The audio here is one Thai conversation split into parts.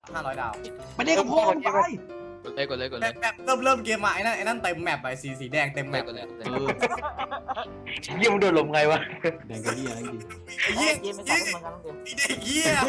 500 ดาวไปเด็กกับพ่อไปกดเลยแบบเริ่มเกมมาไอ้นั่นเต็มแมปไปสีแดงเต็มแมปกดเลยเยี่ยมโดนลมไงวะแดงกระเดียอะไรจริงไอ้เหี้ยเกมไม่ใช่เหมือนกันต้องเกมไอ้เด็กเหี้ย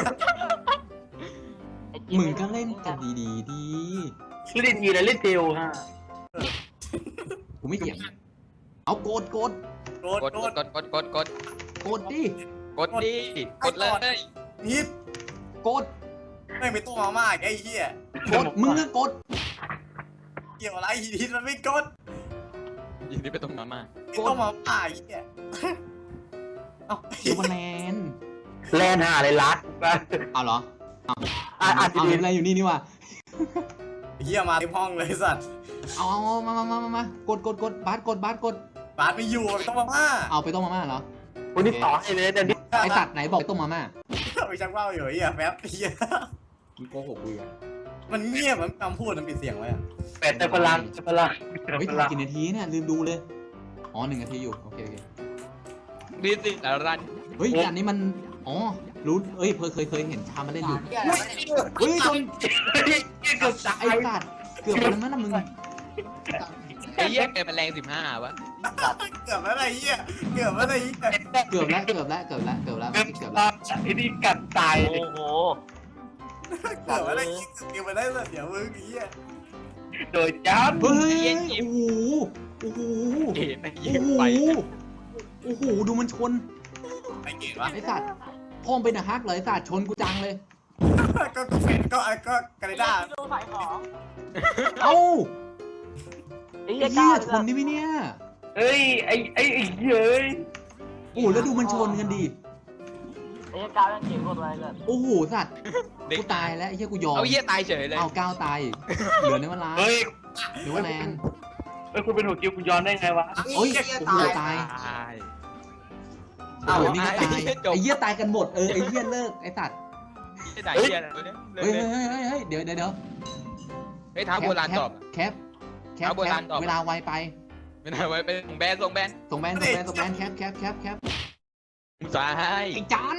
มึงก็เล่นกันดีดีเล่นทีแล้วเล่นเทลฮะกูไม่เถียงเอากดโดนกดโดนกดดิกดดิกดเลยนิดกดไม่ต้องมาม่าไอ้เหี้ยกดมึงก็กดเกี่ยวอะไรนิดมันไม่กดยิงที่ไปตรงมาม่าไม่ต้องมาม่าไอ้เหี้ยเอ้าซูเปอร์แลนด์แลนหาอะไรรัดไปเอาเหรออ่านดีอะไรอยู่นี่นี่วะเหี้ยมาเต็มห้องเลยสัตว์เอามากดบาสกดบาสไม่อยู่ไม่ต้องมาม่าเอาไปต้มมาม่าเหรอวันนี้ต่อให้เลยเดี๋ยวนี้ไอสัตว์ไหนบอกต้มมาม่าไปชักว่าวอยู่ไอ้เหี้ยแป๊บเหี้ยมึงโกหกกูอ่ะมันเงียบมันคำพูดมันปิดเสียงไว้อะเป็ดแต่พลังเฮ้ยถ่ายกี่นาทีเนี่ยลืมดูเลยอ๋อ1 นาทีอยู่โอเคดีสิรันเฮ้ยอันนี้มันอ๋อรู้เอ้ยเคยเห็นชามาเล่นอยู่เฮ้ยชนเกือบตายไอ้สัตว์เกือบไปแล้วนะมึงไอ้เหี้ยแกมันแรง15วะเกือบแล้วไอ้เหี้ยเกือบแล้วไอ้เหี้ยเกือบแล้วเกือบแล้วเกือบแล้วไอ้นี่กัดตายเลยโอ้โหเกือบแล้วไอ้เหี้ยเกือบไปได้สัตว์เดี๋ยวมึงไอ้เหี้ยโดยจ้ำเฮ้ยโอ้โหเอ๋ไอ้เหี้ยไปโอ้โหดูมันชนไอ้เก่งวะไอ้สัตว์พ่อมเป็นอะฮักเลยไอ้สัตว์ชนกูจังเลยก็เฟนก็กาเรด้าดูขายของเอ้าไอ้ไอ้เหี้ยเหี้ยก้าวชนนี่ไหมเนี่ยเฮ้ยไอ้เย้ยโอ้โหแล้วดูมันชนกันดิไอ้เหี้ยก้าวยังเก่งกว่าตัวไอ้เลยโอ้โหสัตว์กูตายแล้วไอ้เหี้ยกูยอมเอาเหี้ยตายเฉยเลยเอาก้าวตายอีกเหลือในเวลาเฮ้ยหรือว่าแลนคุณเป็นหัวกิ้วคุณย้อนได้ไงวะโอ้ยโอ้โหตาย โอ้โหนี่ก็ตายไอ้เหี้ยตายกันหมดไอ้เหี้ยเลิกไอ้สัตว์ไอ้ไหนเหี้ยอะไรวะเนี่ยเฮ้ยเดี๋ยวเฮ้ยท้าโบราณตอบแคปเอาโบราณตอบเวลาไวไปไม่ได้ไว้เป็นส่งแบนส่งแบนแคปมึงสายไอ้จัน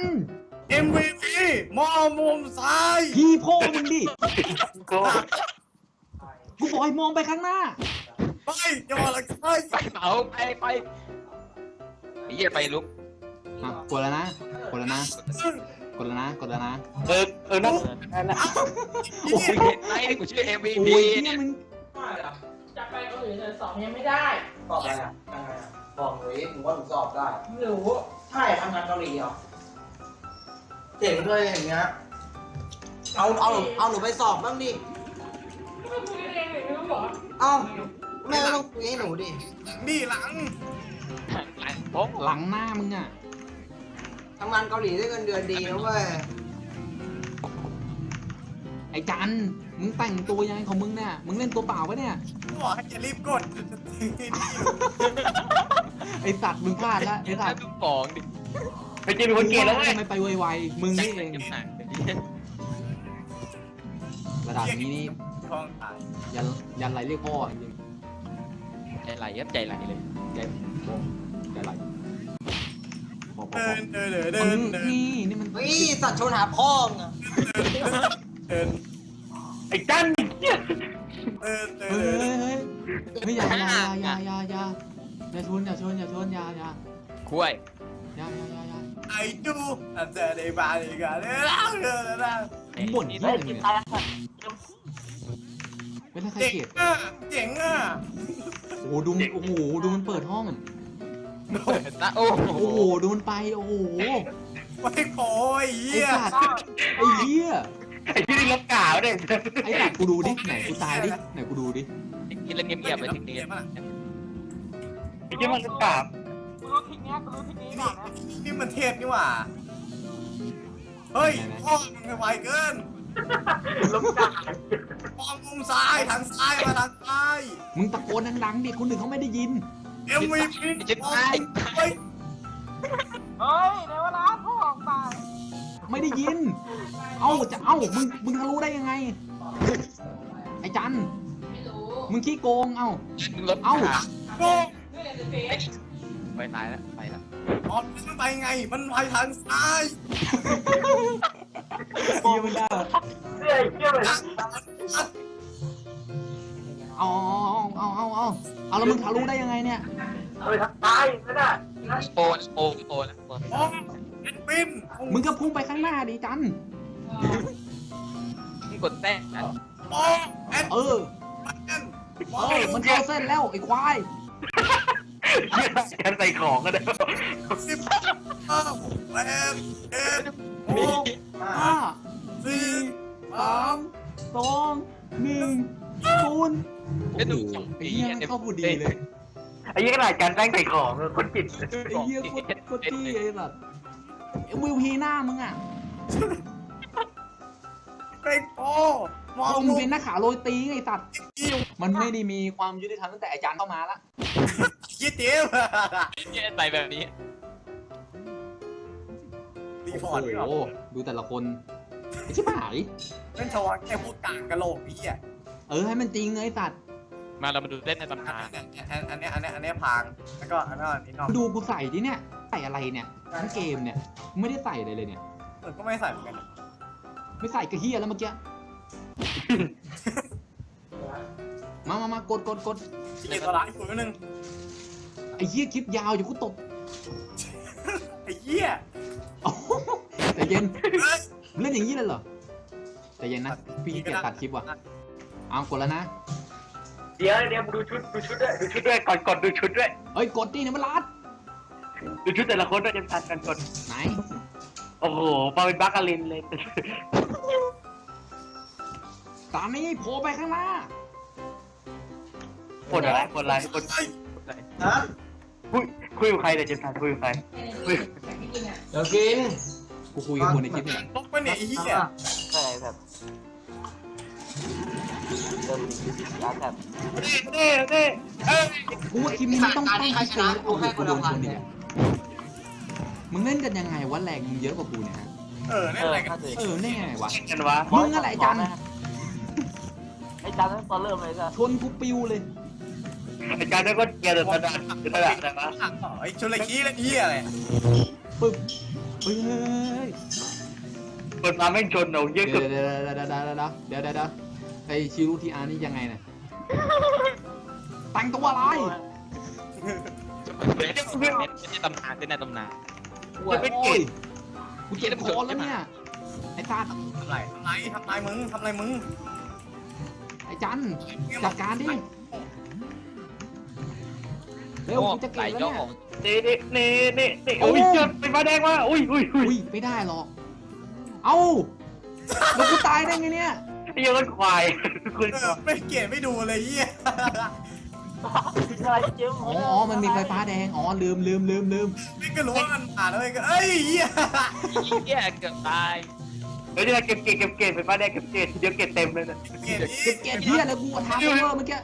MVP มอมุมซ้ายพี่พ่อมึงดิก็กูบอกให้มองไปข้างหน้าไปจะมาละไปไปเผาไปไอ้เหี้ยไปลุกกดแล้วนะกดแล้วนะนั่นโอ้ยเห็นไหมกูชื่อ MVP โอ้ยเนี่ยมึงจะไปเกาหลีเลยสอบยังไม่ได้สอบอะไรอ่ะบอกหนูหนูว่าหนูสอบได้ไม่รู้ใช่ทำงานเกาหลีเหรอเจ๋งด้วยอย่างเงี้ยเอาหนูไปสอบบ้างดิไม่คุยเองเลยไม่ต้องบอกเอ้าแม่ก็ต้องคุยให้หนูดินี่หลังผมหลังหน้ามึงอ่ะทำงานเกาหลีได้เงินเดือนดีนะเว้ยไอ้จันมึงแต่งตัวยังไงของมึงเนี่ยมึงเล่นตัวเปล่าปะเนี่ยบอกให้จะรีบกดไอ้สัตว์มึงพลาดแล้วไอ้ไอ้สัท่าตว์ดูของดิไปเจอเป็นคนเกย์แล้วไงทำไมไปไวๆมึงนี่เอง ระดับนี้นี่ท้องตายยันไรเรียกพ่อจริงใจไหลครับใจไหลเลยๆใจไหลพอเดินนี่มันเฮ้ยสัตว์ชนหาพ่อมึงอะเดินไอ้จันเนี่ยเดินเฮ้ยอย่าชนอย่าคุ้ยไอ้จูอาจจะได้บาลีกันเดินบ่นนี่เหี้ยไอ้อะไรกินเนี่ยตายแล้วเป็นใครเจ๋งเกลียดอ่ะเจ๋งอ่ะโอ้โหดูมันเปิดห้องตาโอ้โอ้โหดูมันไปโอ้โหไม่พอไอ้ไอ้เหี้ยสัตว์ไอ้เหี้ยไอ้ที่นี่ลบกาวเนี่ยไอ้สัตว์กูดูดิไหนกูตายดิไหนกูดูดิกินแล้วเงียบๆไปทีนี้ไอ้ที่มันลบกาวกูรู้ทิศเนี้ยกูรู้ทิศนี้ก่อนนะนี่มันเทพนี่หว่าเฮ้ยพ่อมึงไวเกินล้มจักมองมุมซ้ายทางซ้ายมาทางซ้ายมึงตะโกนดังๆดิคนอื่นเขาไม่ได้ยิน MVP จะตายเฮ้ยเฮ้ยในเวลาพ่อออกมาไม่ได้ยินมึงทะลุได้ยังไงไอ้จันมึงขี้โกงมึงลบโก้ไปตายแล้วไปแล้วอ๋อมันไปไงมันไปทางซ้ายเฮียมันได้เฮ้ยเหี้ยเลยเอาแล้วมึงทะลุได้ยังไงเนี่ยเอาไปทำตายนั่นน่ะโอ้นะโอ้นะโอ้เอ็นบินมึงก็พุ่งไปข้างหน้าดิจันมึงกดแต้มนะโอ้เอ็นเออ มันเข้าเส้นแล้วไอ้ควายเหี้ยกันใส่ของกันเด้อสิบแปดเอ็ดหกห้าสี่สามสองหนึ่งศูนย์ไอ้ดูไอ้เหี้ยมันเข้าพอดีเลยไอ้เหี้ยขนาดการแต่งใส่ของคนจิตไอ้เหี้ยโคตรจี้ไอ้สัสไอ้วิวพีหน้ามึงอ่ะเป็นโอ้มองมึงลูกเป็นนักขาโรยตีไอ้สัสกิ้วมันไม่ได้มีความยุติธรรมตั้งแต่อาจารย์เข้ามาละยี่ติ๋วเหี้ยใส่แบบนี้รีพอร์ตไม่ออกโอ้โหดูแต่ละคนไอ้ชิบหายเป็นชาวแค่พวกกากกะโหลกพี่อ่ะให้มันจริงเลยไอ้สัสมาเรามาดูเต้นในตำอันานนนี้พังแล้วก็อันนี้นอกดูกูใส่ดิเนี่ยใส่อะไรเนี่ยทั้งเกมเนี่ยกูไม่ได้ใส่อะไรเลยเนี่ยก็ไม่ใส่เหมือนกันไม่ใส่กระเฮียแล้วเมื่อกี้ มากดที่เกียรตัวร้ายอีกคนนึงไอ้เฮียคลิปยาวอยู่กูตบไอ้เหี้ยโอ้โหใจเย็นเล่นอย่างนี้เลยเหรอใจเย็นนะพี่ขี้เกียจตัดคลิปว่ะเอากดแล้วนะเดี๋ยวดูชุดด้วยก่อนดูชุดด้วยเอ้ยกดดิเนี่ยมันรัดดูชุดแต่ละคนด้วยจะทันกันกดไหนโอ้โหมาเป็นบัคกาลินเลยตามนี้โผล่ไปข้างหน้าคนอะไรคนฮะคุยกับใครเนี่ยเจมส์คุยกับใครคุยเดี๋ยวกินกูคุยกับคนในคลิปนี่แหละตกไปเนี่ยไอ้เหี้ยอะไรแบบเริ่มร้านแบบนี่เอ้ยกูว่าคลิปนี้มันต้องตั้งให้เจอเอากูโดนชนเนี่ยมึงเล่นกันยังไงวะแรงมึงเยอะกว่ากูเนี่ยฮะนี่อะไรกันนี่ไงวะกันวะมึงอะไรไอ้จันไอ้จันตั้งตอนเริ่มเลยจ้ะชนกูปิวเลยอาจารย์ก็เกียร์เดือดกระดาษอะไรวะไอ้ชนละขี้ละเหี้ยอะไรปึ๊บเฮ้ยเปิดมาไม่ชนเราเยอะเดี๋เกิยวน เดี๋ยวไอชิรุทีอาร์นี่ยังไงเนี่ยแต่งตัวอะไรไม่ใช่ตำนานเต้นในตำนานโอ้ยกูเจ็บคอแล้วเนี่ยไอ้ตาทำไรมึงไอ้จันจัดการดิเร็วกูจะเก่งแล้วเนี่ยนี่โอ้ยเจอเป็นฟ้าแดงมาอุ้ยอุ้ยไม่ได้หรอกเอ้าแล้วกูตายได้ไงเนี่ยไอ้ยังก็ควายคุณไม่เกลียดไม่ดูเลยเหี้ยอะไรเจ๊อ๋อมันมีไฟฟ้าแดงอ๋อลืมไม่ก็รู้ว่ามันผ่านแล้วก็เอ้ยเหี้ยเหี้ยเกือบตายเฮ้ยเก็บเป็นฟ้าแดงเก็บเดี๋ยวเก็บเต็มเลยนะเกลียดเก็บเกียร์เฮียแล้วกูทำเวอร์เมื่อกี้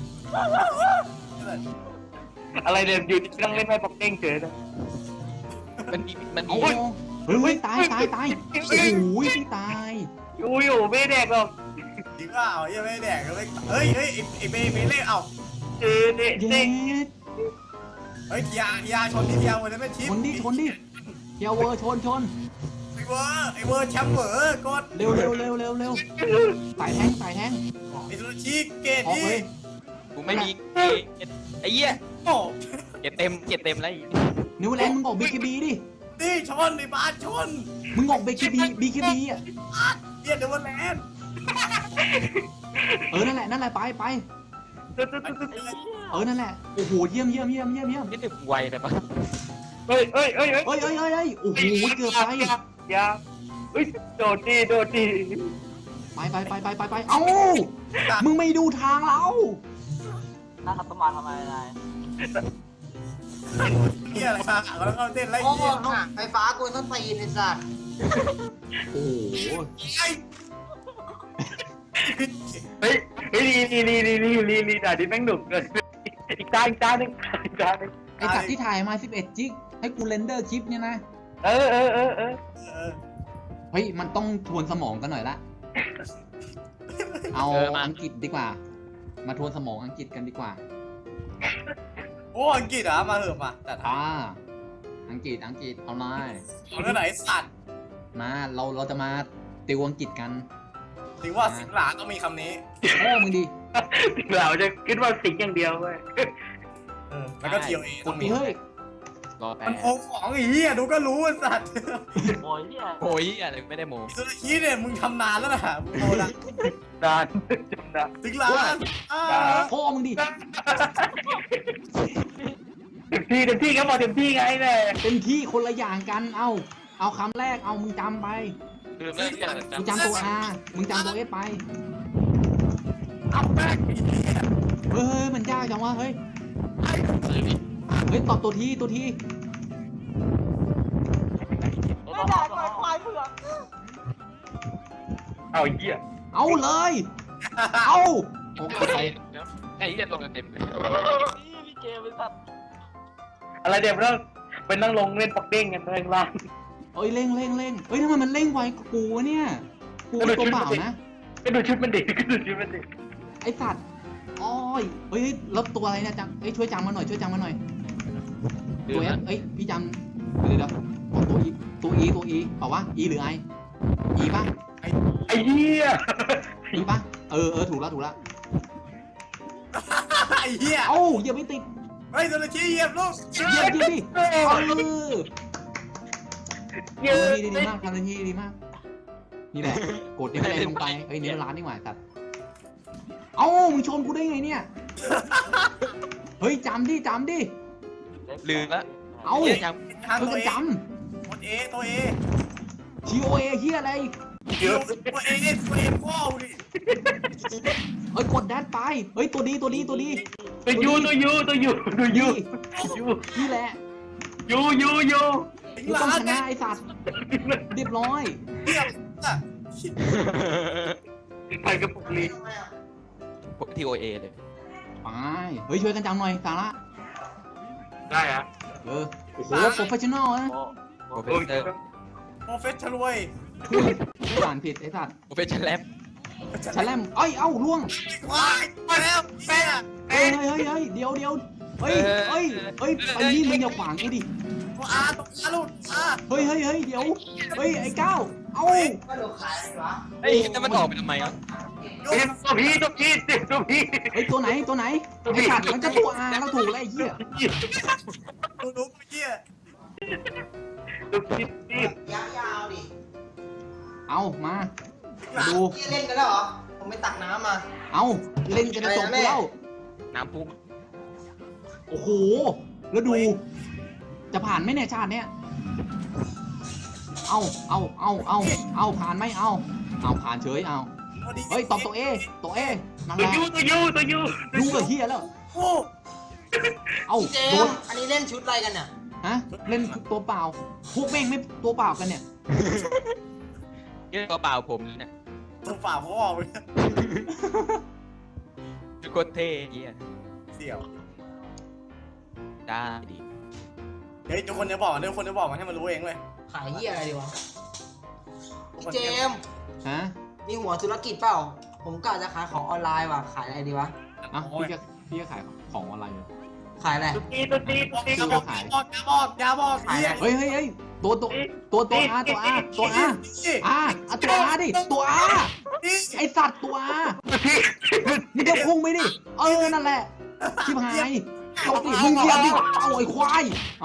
อะไรเนี่ยอยู่นั่งเล่นไพ่ปอกเด้งเฉยนะมันอ๋อมีเฮ้ยตายโอ้โหพี่ตายอุ้ยไม่แดกหรอกจริงว่าเอายังไม่แดกเลยเฮ้ยไอ้เบย์เล่เอาเย็ดเฮ้ยยาชนที่ยาวันนั้นไม่ชิปชนดิเฮียเวอร์ชนไอ้เวอร์แชมป์เวอร์กดเร็วสายแทงไอ้สุชีเกตออกนี่เลยกูไม่มีไอ้เหี้ยโอ้เก็บเต็มแล้วนิวแลนด์มึงออกบีคีบีดินี่ชนในบ้านชนมึงออกบีคีบีอ่ะเหี้ยเดวแลนด์นั่นแหละไปนั่นแหละโอ้โหเยี่ยมนี่ถึงไวเลยปะเฮ้ยโอ้โหเกือบไปยาเฮ้ยโดดดีไปเอ้ามึงไม่ดูทางเราน่าขับประมาณทำไมนายเหี้ยอะไรมาแล้วก็เต้นไล่โอ้เหี้ยโหไฟฟ้ากูต้องตีนไอ้สัตว์โอ้โหไอ้เฮ้ยนี่ด่าดิแม่งหนุกเลยอีกจานนึงไอสัตว์ที่ถ่ายมา11 จิกให้กูเรนเดอร์คลิปเนี่ยนะเออเฮ้ยมันต้องทวนสมองกันหน่อยละเอาอังกฤษดีกว่า มาทวนสมองอังกฤษกันดีกว่าโอ้อังกฤษเหรอมาเหอะมาแต่ถ้าอังกฤษเอาหน่อยเอาเรื่องไหนสัตว์มาเราจะมาติวอังกฤษกันถึงว่าสิงหลาต้องมีคำนี้โอ้มึงดีเราจะคิดว่าสิงอย่างเดียวเว้ยแล้วก็เทียวเอต้องมีเฮ้ยรอแป๊มันบโกงของไอ้เหี้ยดูก็รู้ไอ้สัตว์โอ้ยเฮียโอ้ยอะไรไม่ได้โมสุดทีเนี่ยมึงทำนานแล้วนะมึงโตแล้วนานจำได้สิงหลาพ่อมึงดีเต็มที่ครับบอกเต็มที่ไงแม่เต็มที่คนละอย่างกัน เอาคำแรก เอามึงจำไปลืมแล้วมึงจำตัว R มึงจำตัว S ไปเอาแม่งไอ้เหี้ยเฮ้ย มันยากจังวะ เฮ้ยลืมดิเฮ้ย ตอบตัวที ตัวทีไม่ได้ปล่อยควายเผือกเอาไอ้เหี้ยเอาเลย เอาโอ้ใครไอ้เหี้ยตรงกันเต็มเลยนี่พี่เกมเป็นสัตว์อะไรเดี๋ยวเราไปนั่งลงเล่นปักเด้งกันข้างล่างเอ้ย เร่งเฮ้ยทำไมมันเร่งไวกว่ากูวะเนี่ย กูเป็นตัวเปล่านะก็ดูชุดมันดิก็ดูชุดมันดิไอสัตว์อ้อยเฮ้ยแล้วตัวอะไรเนี่ยจำเอ้ยช่วยจำมาหน่อย ช่วยจำมาหน่อยลืตัวมเอแล้วเอ้ย พี่จำเดี๋ยวบอกตัวอีตัวอีเปล่าวะ อีหรือไออีป่ะไอ้เหี้ยอีป่ะ เออ ถูกแล้วไอ้เหี้ยเอ้าอย่าไปติดเฮ้ยสุดทีเหยียบลูกเหยียบดิเออเยอะทำดีมากทำดีมาก นี่แหละ กดนี่แรงลงไป เฮ้ยนี่มันร้านนี่หว่าสัตว์เอ้ามึงชนกูได้ไงเนี่ย เฮ้ยจำดิลืมแล้วเอ้าเหี้ยยังทางเฮ้ยตัวก็เอจตัวเอตัวเอำ TOA เฮียอะไรเยอะตัวเอตัวเอพ่อดิเฮ้ยกดแดดไป เฮ้ยตัวดีตัวยูนี่แหละสิงกูหลาต้องชเนี่นะยไอสัตว์ เรียบร้อยเหี้ยอ่ะไปกับปุกลีทีโอเอเลยไป เฮ้ยช่วยกันจำหน่อยสาระได้อะโอ้โห โปรเฟชชั่นอลนะโอ้โปรเฟสเซอร์โปรเฟสชั่นเว้ยพูดอ่านผิดไอสัตว์โปรเฟสชั่นแลบชะแลมเอ้ย เอ้าล่วงว้ายมาแล้วแม่เฮ้ยเดี๋ยวเฮ้ยไอ้นี่มึงอย่าขวางกูดิตัวอาตัวอาลูกอาเฮ้ยเดี๋ยว เฮ้ยไอ้ก้าวเอ้าก็ดูขายอะไรวะไอ้นั่นมันออกไปทำไมอ่ะตัวพี่เฮ้ยตัวไหนไอ้สัตว์มันจะตัวอาแล้วถูกแล้วไอ้เหี้ยดูเมื่อกี้ตัวพี่ยาวๆดิเอามาดูพี่เล่นกันแล้วเหรอ ผมไปตักน้ำมาเอาเล่นกันจะจบแล้วน้ำพุ่งโอ้โห แล้วดู จะผ่านไหมเนี่ยชาติเนี้ยเอาผ่านไหมเอาผ่านเฉย เฮ้ยตอบตัวเอนั่นแหละตัวยูดูกับเฮียแล้วโอ้เอาพี่เจโดมนอันนี้เล่นชุดอะไรกันเนี่ยฮะ เล่นตัวเปล่า พวกแม่งไม่ตัวเปล่ากันเนี่ยเยี่ยกระเป๋าผมเนี่ยตัวฝ่าพ่อเลยโคตรเท่เยี่ยเสี่ยวได้ดิเฮ้ยทุกคนจะบอกมันให้มันรู้เองเลยขายเหี้ยอะไรดีวะ พี่เจมส์ฮะมีหัวธุรกิจเปล่า ผมกะจะขายของออนไลน์ว่ะ ขายอะไรดีวะอ่ะพี่จะขายของออนไลน์เลยขายอะไรตัวพี่อย่าบอกเฮียเฮ้ยตัวอาตัวอาดิตัวอาไอสัตว์ตัวอามึงจะพุ่งไปดิ นั่นแหละชิบหายเอาดิมึงเหยียบดิเอาไอ้ควายเอา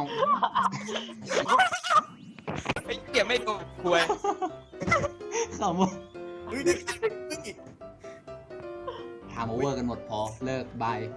ไอ้เกี่ยไม่ตัวควยขำว่าเฮ้ยทำโอเวอร์กันหมดพอเลิกบาย